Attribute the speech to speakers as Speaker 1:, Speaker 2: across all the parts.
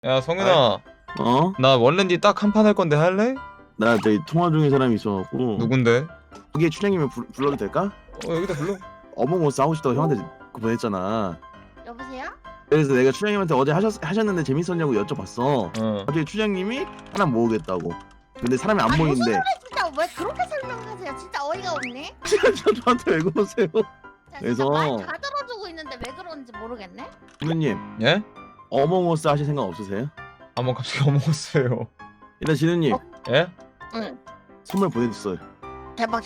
Speaker 1: 야 성윤아,
Speaker 2: 어?
Speaker 1: 나 원랜디 딱 한 판 할 건데 할래?
Speaker 2: 나 저기 통화 중인 사람이 있어갖고
Speaker 1: 누군데?
Speaker 2: 그게 추장님을 불러도 될까?
Speaker 1: 여기다 불러.
Speaker 2: 어몽어스 하고 싶다고 형한테 그거 보냈잖아.
Speaker 3: 여보세요?
Speaker 2: 그래서 내가 추장님한테 어제 하셨는데 재밌었냐고 여쭤봤어.
Speaker 1: 어.
Speaker 2: 갑자기 추장님이 하나 모으겠다고. 근데 사람이 안
Speaker 3: 무슨
Speaker 2: 모이는데
Speaker 3: 소리 진짜 왜 그렇게 설명하세요? 진짜 어이가 없네.
Speaker 2: 저한테 왜 그러세요?
Speaker 3: 자,
Speaker 2: 그래서-
Speaker 3: 진짜 말다 들어주고 있는데 왜 그런지 모르겠네.
Speaker 2: 진우님
Speaker 1: 예?
Speaker 2: 어몽어스 하실 생각 없으세요?
Speaker 1: 아 뭐 갑자기 어먹었어요.
Speaker 2: 일단 진우님
Speaker 1: 예?
Speaker 3: 응.
Speaker 2: 선물 보내줬어요.
Speaker 3: 대박.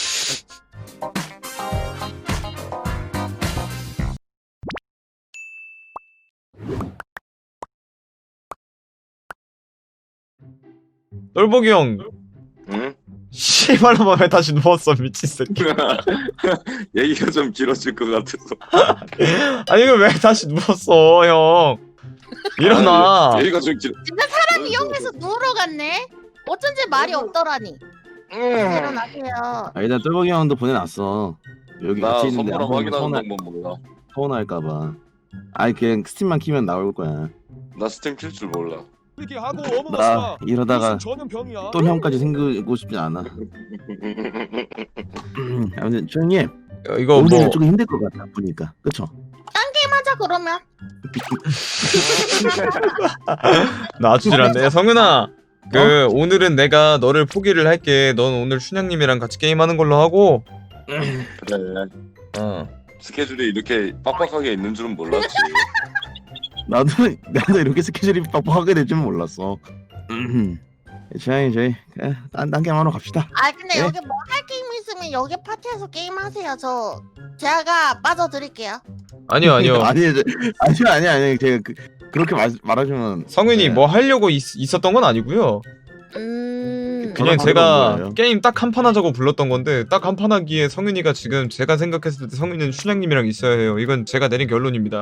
Speaker 1: 똘보기 형.
Speaker 4: 응?
Speaker 1: 씨발로만 왜 다시 누웠어 미친 새끼.
Speaker 4: 얘기가 좀 길어질 것 같아서.
Speaker 1: 아니 이거 왜 다시 누웠어 형? 일어나.
Speaker 4: 아니, 얘기가 좀 길어.
Speaker 3: 진짜 사람 이용해서 누우러 갔네. 어쩐지 말이 없더라니. 일어나세요.
Speaker 2: 아 일단 똘보기 형도 보내놨어. 여기
Speaker 4: 나
Speaker 2: 같이 있는데
Speaker 4: 선물함
Speaker 2: 안
Speaker 4: 확인하는
Speaker 2: 보면
Speaker 4: 방법 몰라.
Speaker 2: 서운할까봐. 아니 그냥 스팀만 키면 나올 거야.
Speaker 4: 나 스팀 킬 줄 몰라.
Speaker 5: 이렇게 하고
Speaker 2: 나
Speaker 5: 어머머스가
Speaker 2: 이러다가
Speaker 5: 무슨 전염병이야?
Speaker 2: 또 형까지 생기고 싶지 않아. 아무튼 추장님
Speaker 1: 이거
Speaker 2: 오늘
Speaker 1: 뭐
Speaker 2: 조금 힘들 것 같아 보니까. 그쵸?
Speaker 3: 하자 그러면.
Speaker 1: 놔주질 않네. 성윤아. 오늘은 내가 너를 포기를 할게. 넌 오늘 춘향님이랑 같이 게임하는 걸로 하고.
Speaker 4: 그래.
Speaker 1: 어.
Speaker 4: 스케줄이 이렇게 빡빡하게 있는 줄은 몰랐지.
Speaker 2: 나도 이렇게 스케줄이 빡빡하게 될 줄은 몰랐어. 주장님 저희 딴 게임 하러 갑시다.
Speaker 3: 아 근데
Speaker 2: 네?
Speaker 3: 여기 뭐 할 게임 있으면 여기 파티에서 게임 하세요. 제가 빠져드릴게요.
Speaker 1: 아니요.
Speaker 2: 아니요 제가 그렇게 말하시면
Speaker 1: 성윤이
Speaker 2: 네.
Speaker 1: 뭐 하려고 있었던 건 아니고요. 그냥
Speaker 2: 전화
Speaker 1: 제가
Speaker 2: 받으러 온 거예요.
Speaker 1: 게임 딱 한 판 하자고 불렀던 건데 딱 한 판 하기에 성윤이가 지금 제가 생각했을 때 성윤이는 춘향님이랑 있어야 해요. 이건 제가 내린 결론입니다.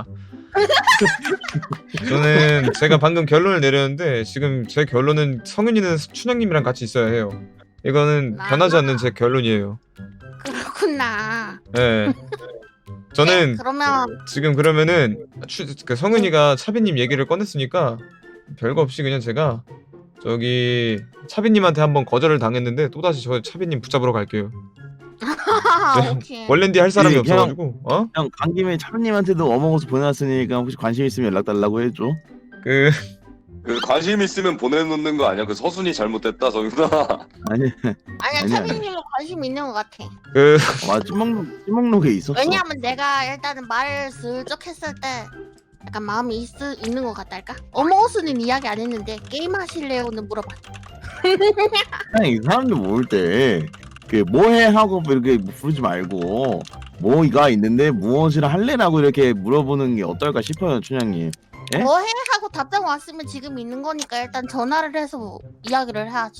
Speaker 1: 저는 제가 방금 결론을 내렸는데 지금 제 결론은 성윤이는 춘향님이랑 같이 있어야 해요. 이거는 변하지 않는 제 결론이에요.
Speaker 3: 그렇구나.
Speaker 1: 예.
Speaker 3: 네,
Speaker 1: 저는
Speaker 3: 그러면
Speaker 1: 지금 그러면은 성윤이가 차비님 얘기를 꺼냈으니까 별거 없이 그냥 제가 저기 차비님한테 한번 거절을 당했는데 또다시 저 차비님 붙잡으러 갈게요. 네,
Speaker 3: 오케이.
Speaker 1: 원랜디 할 사람이
Speaker 2: 네,
Speaker 1: 없어가지고 어?
Speaker 2: 형 간 김에 차분님한테도 어몽어스 보내놨으니까 혹시 관심 있으면 연락 달라고 해줘.
Speaker 1: 그
Speaker 4: 그 관심 있으면 보내놓는 거 아니야? 그 서순이 잘못됐다 정윤아.
Speaker 2: 아니
Speaker 3: 아니야
Speaker 2: 아니야.
Speaker 3: 차빈님은 관심 있는 것 같아.
Speaker 2: 와 찐먹록에 있었어.
Speaker 3: 왜냐하면 내가 일단은 말을 슬쩍 했을 때 약간 마음이 있는 것 같달까? 어머스는 이야기 안 했는데 게임 하실래요는 물어봐.
Speaker 2: 그냥 이 사람들 모을 때 그 뭐해 하고 이렇게 부르지 말고 뭐가 있는데 무엇을 할래라고 이렇게 물어보는 게 어떨까 싶어요, 춘향님. 예?
Speaker 3: 뭐해 하고 답장 왔으면 지금 있는 거니까 일단 전화를 해서 이야기를 해야지.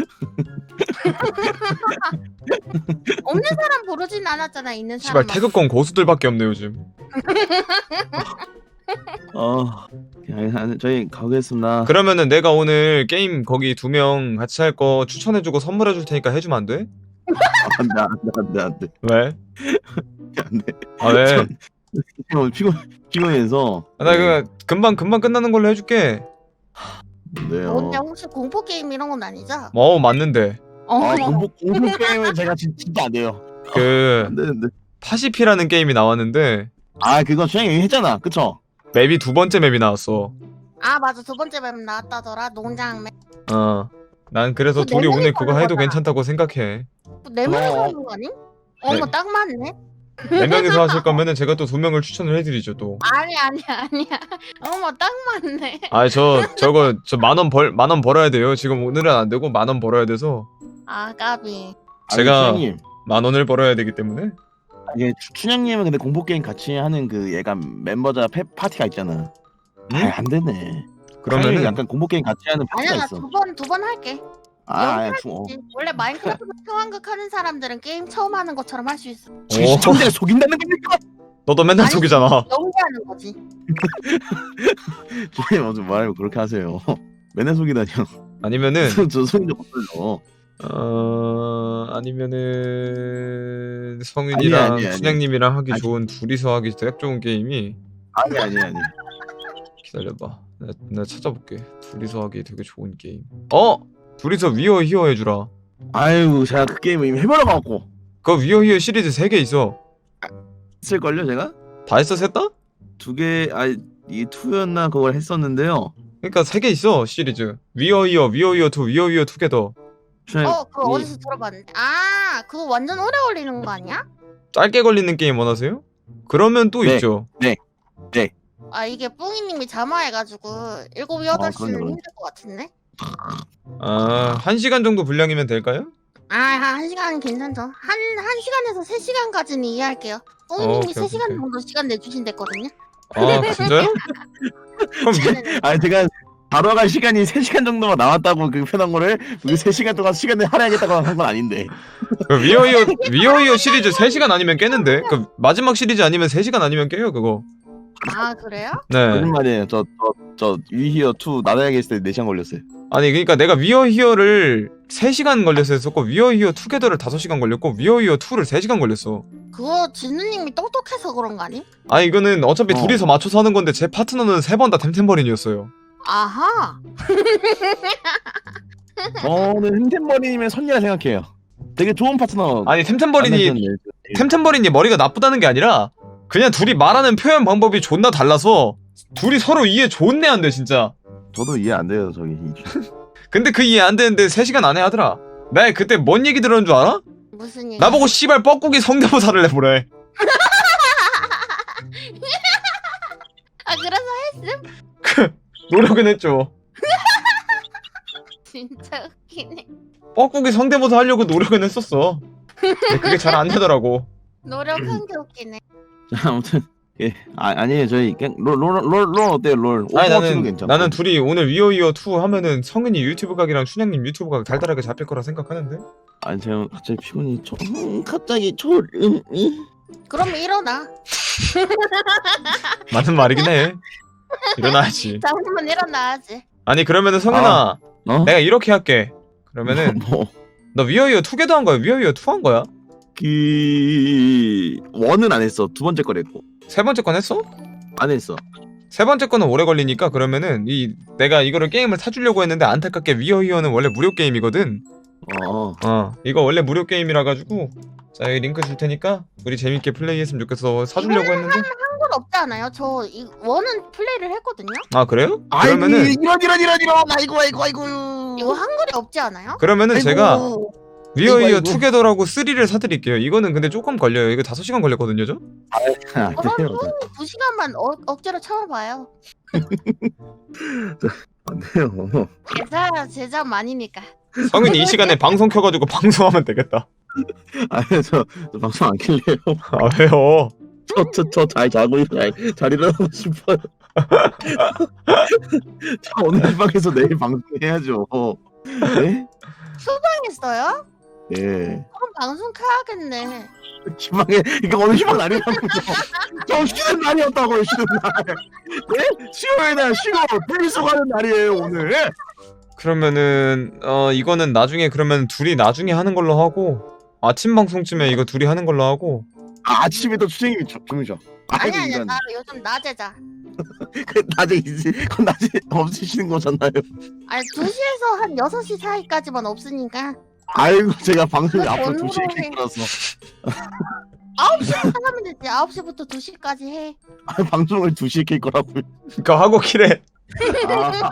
Speaker 3: 없는 사람 부르진 않았잖아. 있는
Speaker 1: 씨발
Speaker 3: 사람.
Speaker 1: 태극권 고수들밖에 없네 요즘.
Speaker 2: 저희 가겠습니다.
Speaker 1: 그러면은 내가 오늘 게임 거기 2명 같이 할 거 추천해주고 선물해줄 테니까 해주면 안 돼?
Speaker 2: 안돼
Speaker 1: 왜?
Speaker 2: 안돼.
Speaker 1: 아 왜?
Speaker 2: 오늘 피곤해서.
Speaker 1: 나 이거 금방 끝나는 걸로 해줄게.
Speaker 2: 네요.
Speaker 3: 근데 혹시 공포 게임 이런 건 아니죠?
Speaker 1: 맞는데
Speaker 2: 공포 게임은 제가 진짜 안 돼요.
Speaker 1: 그
Speaker 2: 안 되는데.
Speaker 1: 파시피라는 게임이 나왔는데
Speaker 2: 그거 춘향이 했잖아, 그쵸?
Speaker 1: 맵이 2번째 맵이 나왔어.
Speaker 3: 아 맞아 두 번째 맵 나왔다더라. 농장 맵.
Speaker 1: 난 그래서
Speaker 3: 그거
Speaker 1: 둘이
Speaker 3: 네
Speaker 1: 오늘
Speaker 3: 명이
Speaker 1: 그거
Speaker 3: 하는
Speaker 1: 해도
Speaker 3: 거잖아.
Speaker 1: 괜찮다고 생각해.
Speaker 3: 네 명이서 하는 거 아니? 어머
Speaker 1: 네.
Speaker 3: 딱 맞네.
Speaker 1: 4명이서 하실 거면은 제가 또 2명을 추천을 해드리죠 또.
Speaker 3: 아니야. 어머 딱 맞네.
Speaker 1: 저 만 원 벌어야 돼요. 지금 오늘은 안 되고 10,000원 벌어야 돼서
Speaker 3: 아 까비.
Speaker 1: 제가
Speaker 2: 춘향님.
Speaker 1: 10,000원을 벌어야 되기 때문에.
Speaker 2: 이게 춘향님은 근데 공포 게임 같이 하는 그 얘가 멤버자 파티가 있잖아.
Speaker 1: 응?
Speaker 2: 안 되네.
Speaker 1: 그러면은
Speaker 2: 약간 공포 게임 같이 하는 파티가
Speaker 3: 아니야 나
Speaker 2: 있어.
Speaker 3: 두 번 할게.
Speaker 2: 어.
Speaker 3: 원래 마인크래프트 상황극 하는 사람들은 게임 처음 하는 것처럼 할 수 있어.
Speaker 2: 시청자를 속인다는 겁니까?
Speaker 1: 너도 맨날
Speaker 3: 아니,
Speaker 1: 속이잖아.
Speaker 3: 연기하는 거지.
Speaker 2: 주님 먼저 말하면 그렇게 하세요. 맨날 속이다니요.
Speaker 1: 아니면은
Speaker 2: 저 속인 적 없어요.
Speaker 1: 아니면은 성윤이랑
Speaker 2: 아니.
Speaker 1: 춘향님이랑 하기
Speaker 2: 아니.
Speaker 1: 좋은 둘이서 하기 딱 좋은 게임이
Speaker 2: 아니.
Speaker 1: 기다려봐. 나 찾아볼게. 둘이서 하기 되게 좋은 게임. 둘이서 위어 히어 해주라.
Speaker 2: 아이고 제가 그 게임 이미 해보러 가고
Speaker 1: 그 위어 히어 시리즈 3개 있어.
Speaker 2: 했을걸요 제가?
Speaker 1: 다 했어 셋 다?
Speaker 2: 2개 이 2였나 그걸 했었는데요.
Speaker 1: 그러니까 3개 있어 시리즈. 위어 히어, 위어 히어 2, 위어 히어 2개더.
Speaker 3: 그거 어디서 들어봤는데. 아, 그거 완전 오래 걸리는 거 아니야?
Speaker 1: 짧게 걸리는 게임 원하세요? 그러면 또
Speaker 2: 네.
Speaker 1: 있죠.
Speaker 3: 아, 이게 뿡이님이 잠화해가지고 7, 8시는
Speaker 2: 그럼요.
Speaker 3: 힘들 것 같은데?
Speaker 1: 1시간 정도 분량이면 될까요?
Speaker 3: 아, 한 1시간은 괜찮죠. 한 시간에서 3시간까지는 이해할게요. 뿡이님이
Speaker 1: 오케이,
Speaker 3: 3시간
Speaker 1: 오케이.
Speaker 3: 정도 시간 내주신댔거든요.
Speaker 1: 진짜요? 그럼
Speaker 2: 아니 제가 바로 갈 시간이 3시간 정도만 남았다고 그 편한 거를 그 3시간 동안 시간을 할애하겠다고 한 건 아닌데.
Speaker 1: 그 위어 히어 시리즈 3시간 아니면 깨는데? 그 마지막 시리즈 아니면 3시간 아니면 깨요 그거.
Speaker 3: 아, 그래요?
Speaker 1: 네.
Speaker 2: 거짓말이에요. 저 위히어 2 나다야게 했을 때 4시간 걸렸어요.
Speaker 1: 아니 그러니까 내가 위어 히어를 3시간 걸려서 했었고 위어 히어 투게더를 5시간 걸렸고 위어 히어 2를 3시간 걸렸어.
Speaker 3: 그거 진우님이 똑똑해서 그런 거 아니?
Speaker 1: 아니 이거는 어차피
Speaker 2: 어.
Speaker 1: 둘이서 맞춰서 하는 건데 제 파트너는 3번 다 템템버린이었어요.
Speaker 3: 아하.
Speaker 2: 저는 흰템머리님의 선녀라 생각해요. 되게 좋은 파트너.
Speaker 1: 아니 템템버린이 머리가 나쁘다는 게 아니라 그냥 둘이 말하는 표현 방법이 존나 달라서 둘이 서로 이해 존내 안 돼 진짜.
Speaker 2: 저도 이해 안 돼요 저기.
Speaker 1: 근데 그 이해 안 되는데 3시간 안에 하더라. 나 그때 뭔 얘기 들었는 줄 알아?
Speaker 3: 무슨 얘기?
Speaker 1: 나보고 씨발 뻐꾸기 성대모사를 해보래.
Speaker 3: 아, 그래서
Speaker 1: 노력은 했죠.
Speaker 3: 진짜 웃기네.
Speaker 1: 뻐꾸기 성대모사 하려고 노력은 했었어. 근데 그게 잘 안 되더라고.
Speaker 3: 노력한 게 웃기네.
Speaker 2: 자, 아무튼 예 아니에요 저희 그냥 롤 어때요 롤?
Speaker 1: 아니
Speaker 2: 오버워치도 괜찮고.
Speaker 1: 나는 둘이 오늘 위어위어 2 하면은 성은이 유튜브 각이랑 춘향님 유튜브 각 달달하게 잡힐 거라 생각하는데.
Speaker 2: 아니 제가 갑자기 피곤이 갑자기
Speaker 3: 그럼 일어나.
Speaker 1: 맞는 말이긴 해. 일어나야지.
Speaker 3: 잠깐만 일어나야지.
Speaker 1: 아니 그러면은 성은아
Speaker 2: 어?
Speaker 1: 내가 이렇게 할게. 그러면은
Speaker 2: 뭐
Speaker 1: 너 위어위어 2개도 한 거야? 위어위어 2 한 거야?
Speaker 2: 그 원은 안 했어. 두 번째 걸 했고.
Speaker 1: 세 번째 건 했어?
Speaker 2: 안 했어.
Speaker 1: 세 번째 거는 오래 걸리니까 그러면은 내가 이거를 게임을 사주려고 했는데 안타깝게 위어위어는 원래 무료 게임이거든. 이거 원래 무료 게임이라 가지고 자 여기 링크 줄 테니까 우리 재밌게 플레이했으면 좋겠어. 사주려고 했는데.
Speaker 3: 한건 없지 않아요? 저 원은 플레이를 했거든요.
Speaker 1: 아 그래요?
Speaker 2: 그러면은
Speaker 1: 그러면은
Speaker 2: 이런 아이고
Speaker 3: 이거 한글이 없지 않아요?
Speaker 1: 그러면은 제가
Speaker 2: 아이고.
Speaker 1: 위어위어
Speaker 2: 아이고.
Speaker 1: 투게더라고 3를 사드릴게요. 이거는 근데 조금 걸려요. 이거 5시간 걸렸거든요, 저?
Speaker 2: 아,
Speaker 3: 그럼
Speaker 2: 돼요.
Speaker 3: 2시간만 억지로 참아봐요.
Speaker 2: 안 돼요.
Speaker 3: 제자 많이니까.
Speaker 1: 성윤이 이 시간에 방송 켜가지고 방송하면 되겠다.
Speaker 2: 아니 저 방송 안 킬래요.
Speaker 1: 아 왜요?
Speaker 2: 저 잘 자고 잘 일어나고 싶어요. 저 오늘 방에서 내일 방송해야죠. 네?
Speaker 3: 했어요?
Speaker 2: 네.
Speaker 3: 그럼 방송 켜야겠네.
Speaker 2: 희망에 이거 오늘 희망 날이라고요. 저 쉬는 날이었다고요. 쉬는 날. 네? 10월의 날 쉬고 분리수 가는 날이에요 오늘.
Speaker 1: 그러면은 이거는 나중에 그러면 둘이 나중에 하는 걸로 하고 아침 방송쯤에 이거 둘이 하는 걸로 하고
Speaker 2: 아침에 또 추생님이 주무셔.
Speaker 3: 아니야, 나 요즘 낮에 자.
Speaker 2: 그 낮에 있지. 그건 낮에 없으시는 거잖아요.
Speaker 3: 아니 2시에서 한 6시 사이까지만 없으니까
Speaker 2: 아이고 제가 방송이
Speaker 3: 그거
Speaker 2: 앞으로
Speaker 3: 전후로
Speaker 2: 2시에
Speaker 3: 해.
Speaker 2: 킬거라서
Speaker 3: 9시부터 하면 되지. 9시부터 2시까지 해.
Speaker 2: 방송을 2시에 킬 거라고요.
Speaker 1: 그거 하고 키래.
Speaker 2: 아,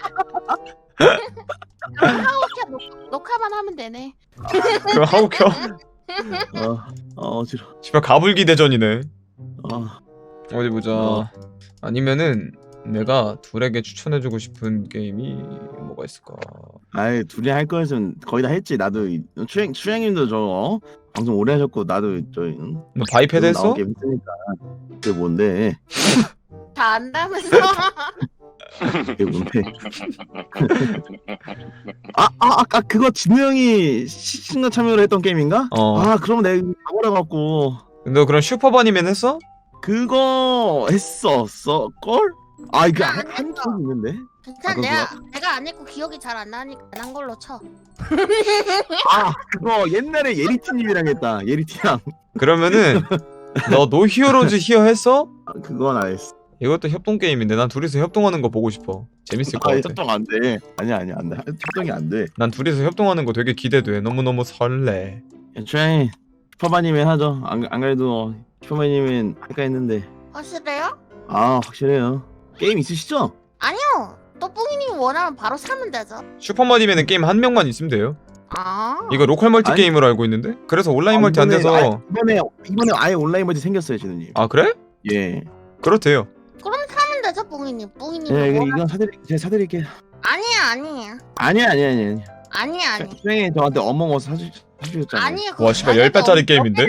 Speaker 3: 그럼 하우켜 녹화만 하면 되네.
Speaker 1: 그거 하고 켜.
Speaker 2: 어지러.
Speaker 1: 씨발 가불기 대전이네.
Speaker 2: 아,
Speaker 1: 어디 보자. 아니면은 내가 둘에게 추천해주고 싶은 게임이 뭐가 있을까?
Speaker 2: 아이 둘이 할 거였으면 거의 다 했지. 나도 추양님도 저 방송 오래 하셨고 나도
Speaker 1: 너 바이패드 했어?
Speaker 2: 나온 게 있으니까. 그게 뭔데?
Speaker 3: 다 안다면서.
Speaker 2: 그게 뭔데? 아까 그거 진우 형이 시청자 참여를 했던 게임인가? 아 그럼 내가 가보라 갖고
Speaker 1: 너 그럼 슈퍼바니맨 했어?
Speaker 2: 그거 했었어 걸? 아 이거
Speaker 3: 안
Speaker 2: 한
Speaker 3: 했어.
Speaker 2: 적 있는데?
Speaker 3: 괜찮아.
Speaker 2: 그거
Speaker 3: 내가 안 했고 기억이 잘 안 나니까 안 한 걸로 쳐.
Speaker 2: 아 그거 옛날에 예리티님이랑 했다. 예리티랑.
Speaker 1: 그러면은 너 노히어로즈 히어 했어?
Speaker 2: 아, 그건 안 했어.
Speaker 1: 이것도 협동 게임인데 난 둘이서 협동하는 거 보고 싶어. 재밌을 것 같아.
Speaker 2: 협동 안 돼. 아니야 안돼. 협동이 안 돼.
Speaker 1: 난 둘이서 협동하는 거 되게 기대돼. 너무너무 설레.
Speaker 2: 애초에 슈퍼마님은 하죠. 안 그래도 슈퍼마님은 할까 했는데
Speaker 3: 확실해요?
Speaker 2: 아 확실해요. 게임 있으시죠?
Speaker 3: 아니요. 또 뿡이님이 원하면 바로 사면 되죠.
Speaker 1: 슈퍼마님에는 게임 한 명만 있으면 돼요.
Speaker 3: 아.
Speaker 1: 이거 로컬 멀티
Speaker 2: 아니.
Speaker 1: 게임으로 알고 있는데? 그래서 온라인 멀티 안 돼서.
Speaker 2: 이번에 아예 온라인 멀티 생겼어요 진우님.
Speaker 1: 아 그래?
Speaker 2: 예.
Speaker 1: 그렇대요.
Speaker 3: 그럼 사면 되죠, 뿡이님. 뿡이님.
Speaker 2: 예 이건 제가 사드릴게요.
Speaker 3: 아니야.
Speaker 2: 아니야.
Speaker 3: 아니.
Speaker 2: 수행이 저한테 어몽어스 사주셨잖아요.
Speaker 3: 아니.
Speaker 1: 와 씨발 10배짜리 게임인데?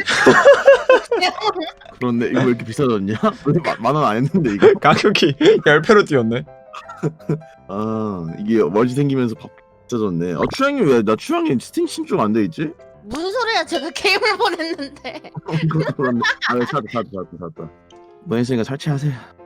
Speaker 2: 그런데 이거 왜 이렇게 비싸졌냐? 만원 안 했는데 이거.
Speaker 1: 가격이 10배로 뛰었네.
Speaker 2: 아 이게 멀지 생기면서 비싸졌네. 추양이 왜 나 추양이 스팀 신청 안 돼 있지?
Speaker 3: 무슨 소리야? 제가 게임을 보냈는데.
Speaker 2: 그런데 아 찾았다. 뭐 했으니까 설치하세요.